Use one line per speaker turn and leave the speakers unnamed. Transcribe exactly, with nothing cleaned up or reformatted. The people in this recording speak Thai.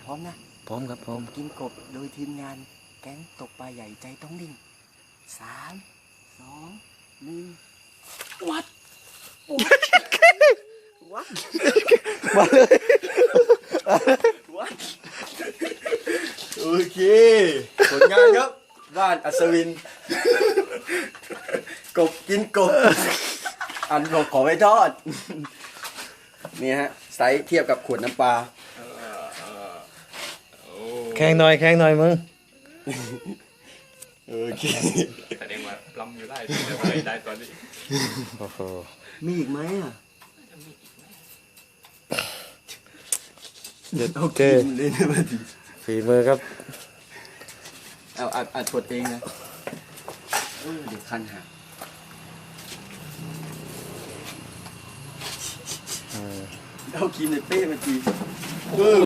ร้อมนะ
พร้อมครับพร้อม
กินกบโดยทีมงานแก๊งตกปลาใหญ่ใจต้องนิ่งสามสองหนึ่งวัดวัด
มาเลย
วัดโอเคผลงานครับบ้านอัศวินกบกินกบอันบอกขอไว้ทอดนี่ฮะไซส์เทียบกับขวดน้ำปลา
แข่งหน่อยแข่งหน่อยมึง
โอเค
แสดงว่าปล้ำอยู่ได้แต่ว่าได้ตอนนี้
โอ้โห
มีอีกไหมอ่ะ
เด็ด
เอา
เจ
กินเลยนะมาดี
ฝีมือครับ
เอาอัดอัดกดเองนะเออเดี๋ยวคันหัก
เออ
เอากินในเป้มาทีเออ